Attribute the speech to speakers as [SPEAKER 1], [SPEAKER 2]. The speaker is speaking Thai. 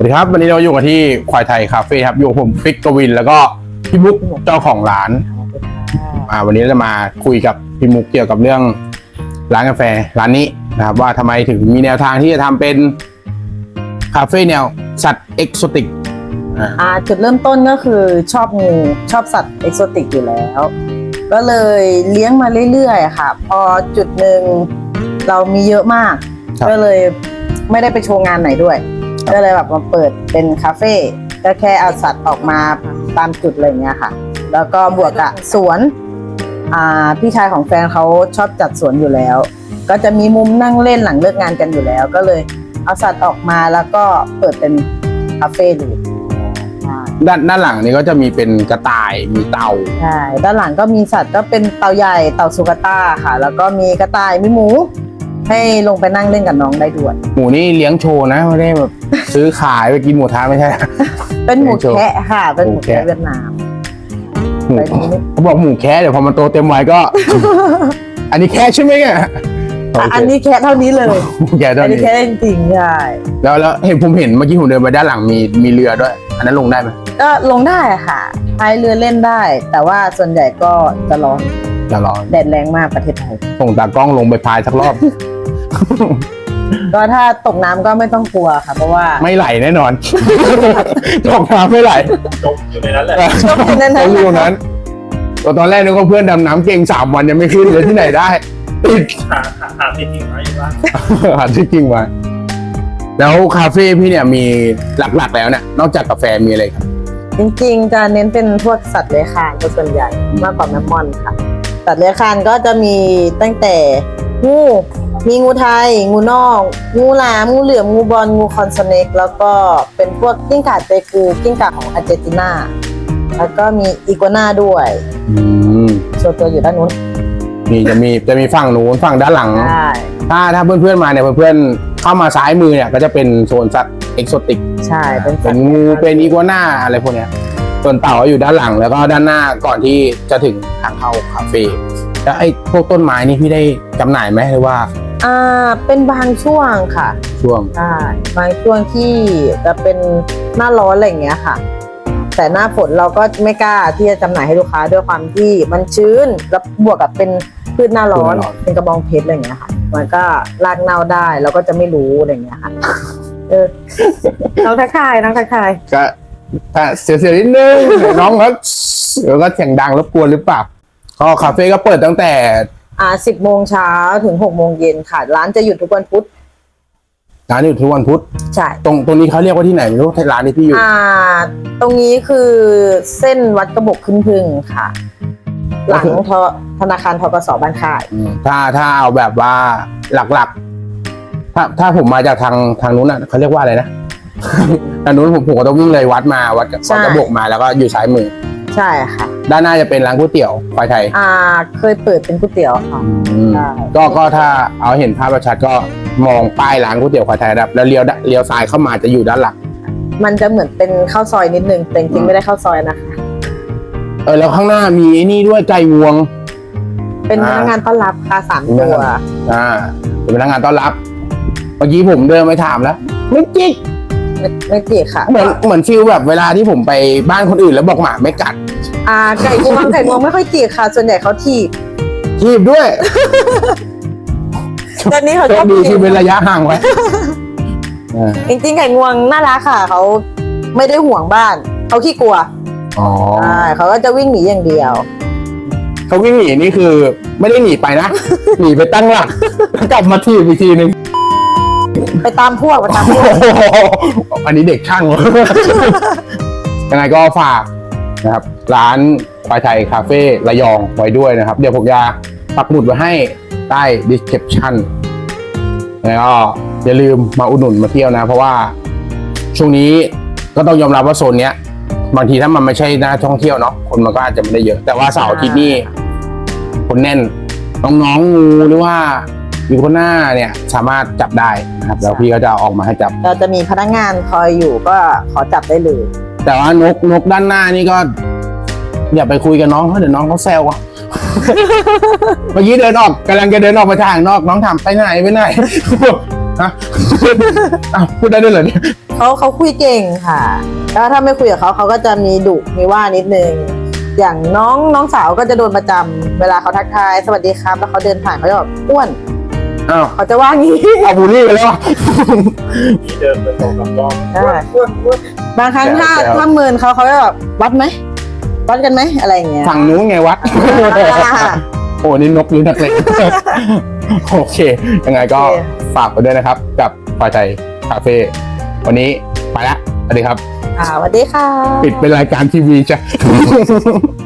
[SPEAKER 1] สวัสดีครับวันนี้เราอยู่กันที่ควายไทยคาเฟ่ครับอยู่กับผมปิ๊กกวินแล้วก็พี่มุกเจ้าของร้านวันนี้เราจะมาคุยกับพี่มุกเกี่ยวกับเรื่องร้านกาแฟร้านนี้นะครับว่าทำไมถึงมีแนวทางที่จะทำเป็นคาเฟ่แนวสัตว์เอกโซติก
[SPEAKER 2] จุดเริ่มต้นก็คือชอบงูชอบสัตว์เอกโซติกอยู่แล้วก็เลยเลี้ยงมาเรื่อยๆค่ะพอจุดหนึ่งเรามีเยอะมากก็เลยไม่ได้ไปโชว์งานไหนด้วยก็เลยแบบมาเปิดเป็นคาเฟ่ก็แค่เอาสัตว์ออกมาตามจุดอะไรเงี้ยค่ะแล้วก็บวกกับสวนพี่ชายของแฟนเขาชอบจัดสวนอยู่แล้วก็จะมีมุมนั่งเล่นหลังเลิกงานกันอยู่แล้วก็เลยเอาสัตว์ออกมาแล้วก็เปิดเป็นคาเฟ่ดู
[SPEAKER 1] ด้านหลังนี้ก็จะมีเป็นกระต่ายมีเต่า
[SPEAKER 2] ใช่ด้านหลังก็มีสัตว์ก็เป็นเต่าใหญ่เต่าสุกาต้าค่ะแล้วก็มีกระต่ายมีหมูให้ลงไปนั่งเล่นกับน้องได้ด้วย
[SPEAKER 1] หมูนี่เลี้ยงโชว์นะไม่ได้แบบซื้อขายไปกินหมูท้าไม่ใช่
[SPEAKER 2] เป็นหมูแคะค่ะเป็นหมูแคะเวียดนาม
[SPEAKER 1] เขาบอกหมูแคะเดี๋ยวพอมันโตเต็มวัยก็ อันนี้แคะใช่ไหมเนี่ย
[SPEAKER 2] อันนี้แคะเท่านี้เลย
[SPEAKER 1] แคะเท่านี้
[SPEAKER 2] อันนี้แคะจริงๆใช่
[SPEAKER 1] แล้วผมเห็นเมื่อกี้ผมเดินไปด้านหลังมีเรือด้วยอันนั้นลงได้ไหม
[SPEAKER 2] ก็ลงได้ค่ะพายเรือเล่นได้แต่ว่าส่วนใหญ่ก็จะร้อนแดดแรงมากประเทศไทย
[SPEAKER 1] ส่งตากล้องลงไปพายสักรอบ
[SPEAKER 2] ก็ถ้าตกน้ำก็ไม่ต้องกลัวค่ะเพราะว่า
[SPEAKER 1] ไม่ไหลแน่นอน ตกน้ำไม่ไหล
[SPEAKER 3] จมอยู่ในนั้นแหละ
[SPEAKER 2] จมอยู่ใน
[SPEAKER 1] นั้นตอนแรกนึกว่าเพื่อนดำน้ำเก่ง3 วันยังไม่ขึ้นเลยที่ไหนได้ติด
[SPEAKER 3] หาที่ทิ้งไว้บ้าง
[SPEAKER 1] หาที่ทิ้งไว้แล้วคาเฟ่พี่เนี่ยมีหลักๆแล้วเนี่ยนอกจากกาแฟมีอะไรครับ
[SPEAKER 2] จริงๆจะเน้นเป็นพวกสัตว์เลื้อยคลานเป็นส่วนใหญ่มากกว่าแมมมอนค่ะสัตว์เลื้อยคลานก็จะมีตั้งแต่งูมีงูไทยงูนอกงูหลามงูเหลือมงูบอลงูคอนสเนกแล้วก็เป็นพวกกิ้งก่าเตกูกิ้งก่าของอาร์เจนตินาแล้วก็มีอีกัวน่าด้วยส่วนตัวอยู่ด้านนู้น
[SPEAKER 1] นี่จะมีฝั่งนู้นฝั่งด้านหลังถ้าเพื่อนๆมาเนี่ยเพื่อนๆเข้ามาซ้ายมือเนี่ยก็จะเป็นโซนสัตว์เอกโซติก
[SPEAKER 2] ใช่
[SPEAKER 1] เป็นงูเป็นอีกัวน่าอะไรพวกเนี้ยส่วนเต่าอยู่ด้านหลังแล้วก็ด้านหน้าก่อนที่จะถึงทางเข้าคาเฟ่แล้วไอ้พวกต้นไม้นี่พี่ได้จำหน่ายไหมหรือว่า
[SPEAKER 2] เป็นบางช่วงค่ะ
[SPEAKER 1] ช่วง
[SPEAKER 2] ใช่บางช่วงที่จะเป็นหน้าร้อนอะไรอย่างเงี้ยค่ะแต่หน้าฝนเราก็ไม่กล้าที่จะจำหน่ายให้ลูกค้าด้วยความที่มันชื้นแล้วบวกกับเป็นพืชหน้าร้อนเป็นกระบองเพชรอะไรอย่างเงี้ยค่ะมันก็รากเน่าได้เราก็จะไม่รู้อะไรอย่างเงี้ยค่ะน้องทักทาย
[SPEAKER 1] ก็เสียนิดนึงน้องครับเดี๋ยวก็เสียงดังรบกวนหรือเปล่าก็คาเฟ่ก็เปิดตั้งแต่
[SPEAKER 2] 10 โมงเช้าถึง6 โมงเย็นค่ะร้านจะหยุดทุกวันพุธ
[SPEAKER 1] ร้านหยุดทุกวันพุธ
[SPEAKER 2] ใช่
[SPEAKER 1] ตรงนี้เขาเรียกว่าที่ไหนไม่รู้ร้านที่พี่อยู่
[SPEAKER 2] ตรงนี้คือเส้นวัดกระบอกขึ้นพึ่งค่ะหลังธนาคารธกส.บ้านค่าย
[SPEAKER 1] ถ้าเอาแบบว่าหลักๆถ้าผมมาจากทางนู้นน่ะเขาเรียกว่าอะไรนะทางนู้นผมก็ต้องวิ่งเลยวัดกระบอกมาแล้วก็อยู่ซ้ายมือ
[SPEAKER 2] ใช่ค่ะ
[SPEAKER 1] ด้านหน้าจะเป็นร้านก๋วยเตี๋ยวควายไทย
[SPEAKER 2] เคยเปิดเป็นก๋วยเตี๋ยวค่ะ
[SPEAKER 1] ก็ถ้าเอาเห็นภาพชัดก็มองป้ายร้านก๋วยเตี๋ยวควายไทยแล้วเลี้ยวซ้ายเข้ามาจะอยู่ด้านหลัง
[SPEAKER 2] มันจะเหมือนเป็นข้าวซอยนิดนึงแต่จริงๆไม่ได้ข้าวซอยนะคะ
[SPEAKER 1] แล้วข้างหน้ามีนี่ด้วยไก่งวง
[SPEAKER 2] เป็นพนักงานต้อนรับค่ะ3 ตัว
[SPEAKER 1] เป็นพนักงานต้อนรับเมื่อกี้ผมเดินไปถามแล้วไม่จิก
[SPEAKER 2] ค่ะ
[SPEAKER 1] เหมือนฟิลแบบเวลาที่ผมไปบ้านคนอื่นแล้วบอกหมาไม่กัด
[SPEAKER 2] ไก่งวงไม่ค่อยจิกค่ะส่วนใหญ่เขาถี
[SPEAKER 1] บด้วย
[SPEAKER 2] ตอนนี้เขาชอบ
[SPEAKER 1] ดีที่เป็นระยะห่างไว้
[SPEAKER 2] จริงๆไก่งวงน่ารักค่ะเขาไม่ได้ห่วงบ้านเขาขี้กลัวเขาก็จะวิ่งหนีอย่างเดียว
[SPEAKER 1] เขาวิ่งหนีนี่คือไม่ได้หนีไปนะ หนีไปตั้งหลักกลับมาทีอีกทีนึง
[SPEAKER 2] ไปตามพวก
[SPEAKER 1] อันนี้เด็กช่างยังไงก็ฝากนะครับร้านควายไทยคาเฟ่ระยองไว้ด้วยนะครับเดี๋ยวผมจะปักหมุดไว้ให้ใต้ description แล้วก็อย่าลืมมาอุดหนุนมาเที่ยวนะเพราะว่าช่วงนี้ก็ต้องยอมรับว่าโซนเนี้ยบางทีถ้ามันไม่ใช่หน้าท่องเที่ยวเนาะคนมันก็อาจจะไม่ได้เยอะแต่ว่าเสาร์อาทิตย์นี่คนแน่นน้องงูหรือว่ามีคนหน้าเนี่ยสามารถจับได้นะครับแล้วพี่ก็จะออกมาให้จับ
[SPEAKER 2] เราจะมีพนักงานคอยอยู่ก็ขอจับได้เลย
[SPEAKER 1] แต่ว่านกด้านหน้านี่ก็อย่าไปคุยกับน้องเพราะเดี๋ยวน้องเขาแซวอ่ะ เมื่อกี้กำลังจะเดินออกไปทางนอกน้องถามไปไหนฮะ อ้าวพูดได้ด้วยเหรอเนี่ย
[SPEAKER 2] เขาคุยเก่งค่ะ แล้วถ้าไม่คุยกับเขาก็จะมีดุมีว่านิดนึง อย่างน้องสาวก็จะโดนประจำเวลาเขาทักทายสวัสดีครับแล้วเขาเดินผ่านเขาจะแบบอ้วน
[SPEAKER 1] อ้าว
[SPEAKER 2] เขาจะว่างี้
[SPEAKER 1] เอาบูลลี่ไปแล้วอะ
[SPEAKER 3] ที่เดินไปสองสามรอบ
[SPEAKER 2] ใช่
[SPEAKER 3] อ้วน
[SPEAKER 2] บางครั้งถ้า
[SPEAKER 1] แซว
[SPEAKER 2] ถ้าเมินเขาจะแบบวัดไหมวัดกันไหมอะไรอย่างเงี้ย
[SPEAKER 1] ฝั่งนู้นไงวัด โอ้นี่นกหรือนักเลง โอเค ยังไงก็
[SPEAKER 2] โอเค
[SPEAKER 1] ฝากไปด้วยนะครับ กับควายไทยคาเฟ่วันนี้ไปละสวัสดีครับ
[SPEAKER 2] สวัสดีค่ะ
[SPEAKER 1] ปิดเป็นรายการทีวีจ้ะ